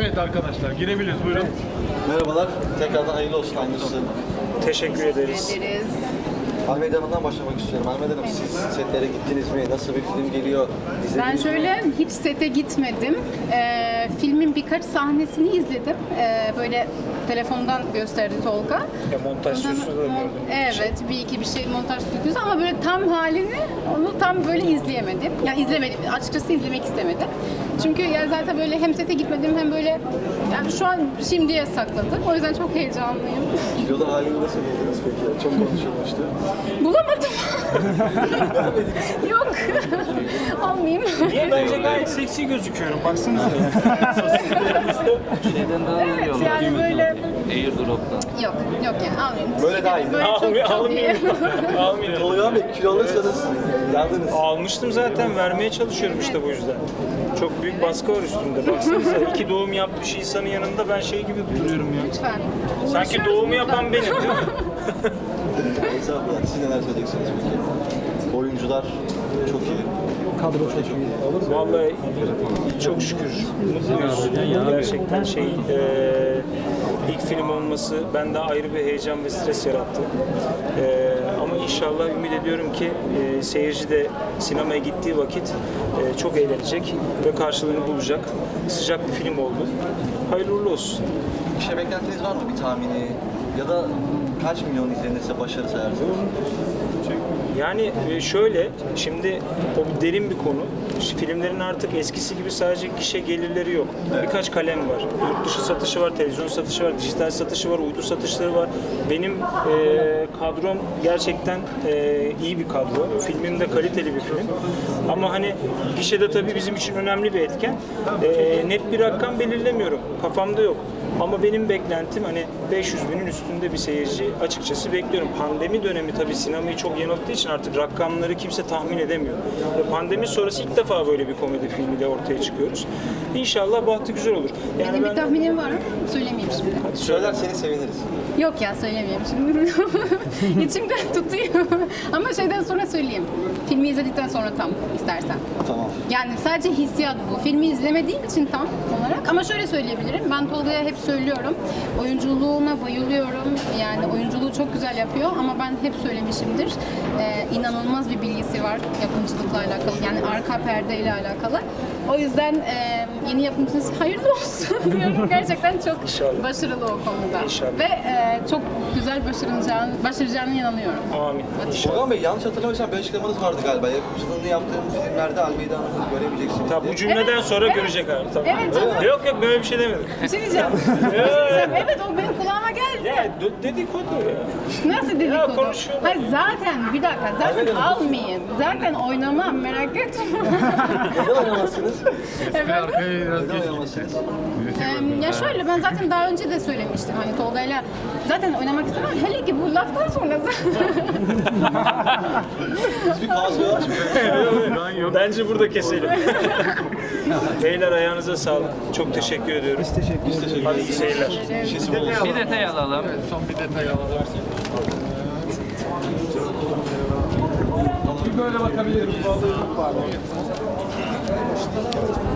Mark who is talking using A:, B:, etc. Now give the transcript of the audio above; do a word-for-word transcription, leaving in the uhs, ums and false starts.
A: Evet arkadaşlar girebiliriz buyurun.
B: Merhabalar, tekrardan hayırlı olsun aynısı.
C: Teşekkür ederiz.
D: ederiz.
B: Almeyda Hanım'dan başlamak istiyorum. Almeyda Hanım, siz setlere gittiniz mi? Nasıl bir film geliyor?
D: Ben
B: İzlediniz mi?
D: şöyle hiç sete gitmedim. Ee, filmin birkaç sahnesini izledim. Ee, böyle telefondan gösterdi Tolga.
C: Ya montaj
D: Ondan-
C: stüdyosu da gördüm.
D: Evet, bir iki bir şey montaj stüdyosu ama böyle tam halini onu tam böyle izleyemedim. Yani izlemedim, açıkçası izlemek istemedim. Çünkü ya zaten böyle hem sete gitmedim hem böyle yani şu an şimdiye sakladım. O yüzden çok heyecanlıyım.
B: Kilolu halini nasıl buldunuz peki? Çok konuşulmuştu.
D: Bulamadım. Yok. Almayayım.
C: Niye? Bence gayet seksi gözüküyorum. Baksanıza.
E: Şeyden daha iyi
D: Evet,
E: olur.
D: yani böyle
E: Airdrop'tan.
D: yok yok yani almayayım.
B: Böyle daha iyi.
D: Böyle çok
C: Almayayım.
D: çok iyi.
C: Almayayım. Almayayım.
B: Tolga Bey, kilo alırsanız yandınız.
C: Almıştım zaten. Vermeye çalışıyorum işte bu yüzden. Çok büyük baskı var üstümde. Baksanıza iki doğum yapmış insanın yanında ben şey gibi duruyorum ya.
D: Lütfen.
C: Sanki
D: Uğraşıyoruz
C: doğumu
D: burada.
C: yapan benim değil mi?
B: Estağfurullah, siz neler söyleyeceksiniz peki? Oyuncular çok iyi. Kadro çok iyi.
C: Vallahi çok şükür mutluyuz. Gerçekten şey e, ilk film olması bende ayrı bir heyecan ve stres yarattı. E, ama inşallah ümit ediyorum ki e, seyirci de sinemaya gittiği vakit e, çok eğlenecek ve karşılığını bulacak. Sıcak bir film oldu. Hayırlı uğurlu olsun.
B: Bir şey beklentiniz var mı? Bir tahmini? Ya da kaç milyon izlenirse başarı sayarsınız?
C: Yani e, şöyle, şimdi o bir derin bir konu. İşte filmlerin artık eskisi gibi sadece gişe gelirleri yok. Birkaç kalem var. Yurt dışı satışı var, televizyon satışı var, dijital satışı var, uydu satışları var. Benim e, kadrom gerçekten e, iyi bir kadro. Filmim de kaliteli bir film. Ama hani gişede tabii bizim için önemli bir etken. E, net bir rakam belirlemiyorum. Kafamda yok. Ama benim beklentim hani beş yüz binin üstünde bir seyirci açıkçası bekliyorum. Pandemi dönemi tabii sinemayı çok yanılttığı için artık rakamları kimse tahmin edemiyor. Ve pandemi sonrası ilk defa böyle bir komedi filmiyle ortaya çıkıyoruz. İnşallah bahtı güzel olur. Yani
D: Benim
C: ben
D: bir tahminim var. Söylemeyeyim şimdi.
B: Söylerseniz seviniriz.
D: Yok ya söylemeyeyim şimdi. İçimde tutuyor. Ama şeyden sonra söyleyeyim. Filmi izledikten sonra tam istersen.
B: Tamam.
D: Yani sadece hissiyat bu. Filmi izlemediğim için tam olarak. Ama şöyle söyleyebilirim. Ben Tolga'ya hep söylüyorum. Oyunculuğuna bayılıyorum. Yani oyunculuğu çok güzel yapıyor. Ama ben hep söylemişimdir. Ee, inanılmaz bir bilgisi var yapımcılıkla alakalı. Yani arka perdeyle alakalı. O yüzden e, yeni yapımcınız hayırlı olsun diyorum. Gerçekten çok
C: İnşallah.
D: başarılı o konuda.
C: İnşallah.
D: Ve e, çok güzel başaracağını, başaracağına inanıyorum.
C: amin. İnşallah.
B: Tolga Bey, yanlış hatırlamıyorsam bir açıklamanız vardı galiba. Yapımcılığını yaptığımız filmlerde Almeyda Hanım'ı göremeyeceksiniz
C: Tabii
B: diye.
C: bu cümleden
D: Evet,
C: sonra
D: evet.
C: görecek abi. Tabii.
D: Evet, canım.
C: Yok yok böyle bir şey demedim.
D: Bir şey diyeceğim. Bir şey diyeceğim. Evet o benim kulağıma geldi.
C: Ya d- dedikodu ya.
D: Nasıl dedikodu?
C: konuşuyorlar.
D: Hayır zaten bir dakika zaten almayayım. Zaten oynamam merak etme.
B: Neden oynamazsınız?
D: Evet.
A: Arkaya biraz
B: Neden
A: geç.
B: oynamazsınız?
D: Em, ya şöyle ben zaten daha önce de söylemiştim hani Tolga'yla zaten oynamak istemem. Hele ki bu laftan sonra
B: Siz bir kavga var.
C: Bence burada keselim. Beyler ayağınıza sağlık. Çok teşekkür ediyorum. Biz teşekkür ederiz. Hadi iyi seyirler.
E: Bir detay alalım.
A: Son bir detay alalım. Bir böyle bakabilir miyiz?